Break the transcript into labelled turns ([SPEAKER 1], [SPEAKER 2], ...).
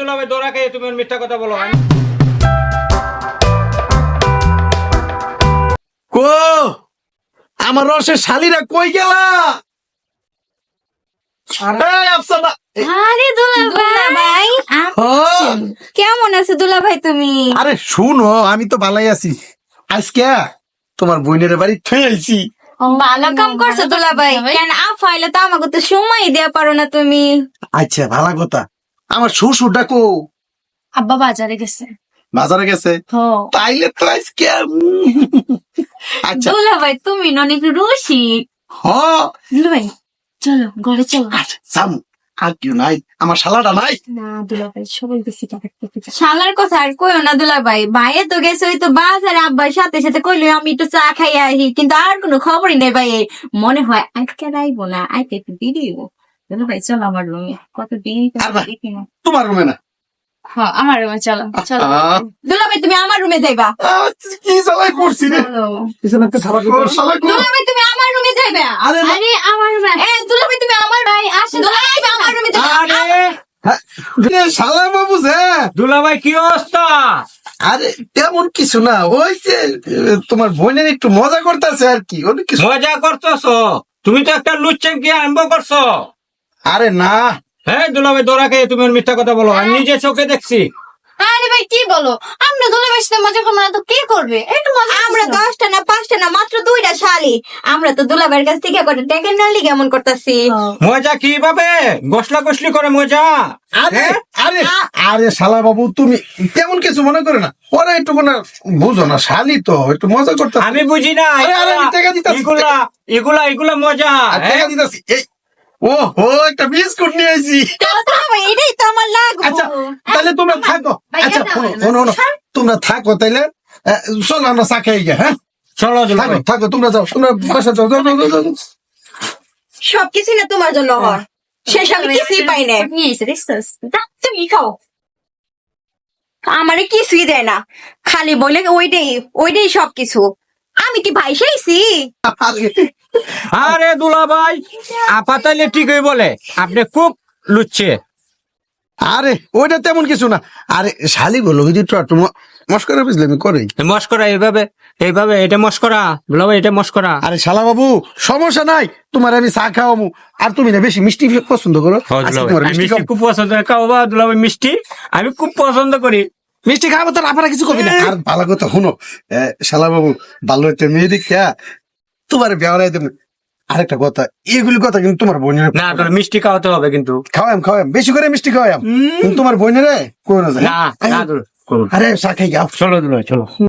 [SPEAKER 1] দুলাভাই দৌড়া খেয়ে তুমি মিথ্যা কথা বলো।
[SPEAKER 2] কো আমার রসের শালিরা কই গেলা? এই আফসানা,
[SPEAKER 3] আরে দুলাভাই কেমন আছে দুলাভাই তুমি?
[SPEAKER 2] আরে শুনো, আমি তো ভালাই আছি। আজকে তোমার বোনের বাড়ি থুয়ে আইছি।
[SPEAKER 3] ভালো কাম করছো দুলাভাই। কেন আফাইলে তো আমাকে তো সময় দেয়া পারো না তুমি?
[SPEAKER 2] আচ্ছা, ভালো কথা। আমার শ্বশুর ডাকো
[SPEAKER 3] আব্বা বাজারে গেছে।
[SPEAKER 2] বাজারে গেছে, তাইলে তো আজকে আচ্ছা
[SPEAKER 3] দুলাভাই তুমি অনেক রসিক।
[SPEAKER 2] হ
[SPEAKER 3] দুলাভাই চলো ঘরে চলো।
[SPEAKER 2] সাম আর কেউ নাই, আমার শালাটা নাই।
[SPEAKER 3] না দুলাভাই সবাই বেশি শালার কথা আর কইও না দুলাভাই। ভাইয়ে তো গেছে ওই তো বাজারে আব্বার সাথে সাথে কইলো আমি একটু চা খাই আহি, কিন্তু আর কোনো খবরই নেই ভাই। মনে হয় আজকে রাইবো না, আজকে একটু বেরিয়েবো। দুলাভাই চলো আমার রুমে, কত দেরি
[SPEAKER 2] আর না, তোমার রুমে না।
[SPEAKER 3] হ্যাঁ আমার রুমে চলো চলো। দুলাভাই তুমি আমার রুমে যাইবা।
[SPEAKER 2] কি জ্বালাই করছি রে। ওর শালা কো-
[SPEAKER 3] দুলাভাই তুমি আমার রুমে যাইবা।
[SPEAKER 2] আরে না।
[SPEAKER 3] আরে আমার রুমে দুলাভাই তুমি আমার ভাই আসে। দুলাভাই তুমি আমার রুমে যাইবা।
[SPEAKER 1] আরে
[SPEAKER 2] হ্যাঁ, এ শালা বাবু যে,
[SPEAKER 1] দুলাভাই কি অবস্থা?
[SPEAKER 2] আরে তেমন কিছু না, ওই যে তোমার বোনের একটু মজা করতেছে আর কি, অনেক কিছু।
[SPEAKER 1] মজা করতেছো? তুমি তো একটা লুচ্ছেন কি আরম্ভ করছো।
[SPEAKER 2] আরে না,
[SPEAKER 1] হ্যাঁ দুলাভাই দৌড়া খেয়ে তুমি মিথ্যা কথা বলো, আমি নিজে চোখে দেখছি।
[SPEAKER 3] আরে ভাই কি বলো, আমরা দুলাভাইয়ের সাথে মজা করবো না তো কে করবে? একটু মজা। আমরা 10টা না 5টা না মাত্র 2টা শালি। আমরা তো দুলাভাইয়ের কাছ থেকে কত টেকেন নালি কেমন করতেছি।
[SPEAKER 1] মজা কিভাবে গসলা গসলি করে মজা?
[SPEAKER 2] আরে
[SPEAKER 1] হ্যাঁ?
[SPEAKER 2] আরে আরে শালা বাবু তুমি তেমন কিছু মনে করে না, ওরা একটু না বুঝো না, শালি তো একটু মজা করতে।
[SPEAKER 1] আমি বুঝি না
[SPEAKER 2] আরে, আরে, আমি টাকা দিতাছি।
[SPEAKER 1] এগুলা এগুলা এগুলা মজা।
[SPEAKER 2] টাকা দিতেছি। এই ও হো, একটা বিস্কুট নিয়ে আইছি।
[SPEAKER 3] দুলাভাই এটাই তো আমার লাগবে।
[SPEAKER 2] আচ্ছা তাহলে তোমরা থাকো। আচ্ছা শোনো, তোমরা থাকো তাইলে। চলো আমরা চা খাই গিয়ে। হ্যাঁ
[SPEAKER 1] চলো
[SPEAKER 2] থাকো
[SPEAKER 1] দুলাভাই।
[SPEAKER 2] থাকো, তোমরা যাও, তোমরা বাসা যাও, যাও, যাও, যাও, যাও।
[SPEAKER 3] সবকিছু না তোমার জন্য হয়, শেষ আমি কিছুই পাই না। তুমি খাও। আমারে কিছুই দেয় না, খালি বলে ওইটাই সবকিছু। আমি কি ভাই চাইছি?
[SPEAKER 2] আরে,
[SPEAKER 1] আরে দুলাভাই আপা তাইলে ঠিকই বলে, আপনি খুব লুচ্ছে।
[SPEAKER 2] আরে ওইটা তেমন কিছু না। আরে শালি বলো ওই যে একটু মস্করা বুঝলে আমি করি।
[SPEAKER 1] মস্করা এইভাবে এইভাবে এটা মস্করা দুলাভাই, এটা মস্করা।
[SPEAKER 2] আরে শালা বাবু সমস্যা নাই, তোমার আমি চা খাওয়াবো। আর তুমি না বেশি মিষ্টি পছন্দ করো,
[SPEAKER 1] হ্যাঁ,
[SPEAKER 2] আজকে
[SPEAKER 1] দুলাভাই,
[SPEAKER 2] তোমার
[SPEAKER 1] আমি
[SPEAKER 2] মিষ্টি
[SPEAKER 1] মিষ্টি খুব পছন্দ করি। খাও বা দুলাভাই মিষ্টি আমি খুব পছন্দ করি।
[SPEAKER 2] মিষ্টি খাবো তো আপনারা কিছু কবি না। আর ভালো কথা শুনো, শালা বাবু ভালো একটা মেয়ে দেখা তোমার বেড়াই দেবেন। আরেকটা কথা, এগুলি কথা কিন্তু তোমার বোনের
[SPEAKER 1] না তোর মিষ্টি খাওয়াতে হবে কিন্তু।
[SPEAKER 2] খাওয়াম বেশি করে মিষ্টি খাওয়াম, তোমার বোনেরে কোন
[SPEAKER 1] না না, করুন।
[SPEAKER 2] আরে চা খাই গাও।
[SPEAKER 1] চলো দুলাভাই চলো।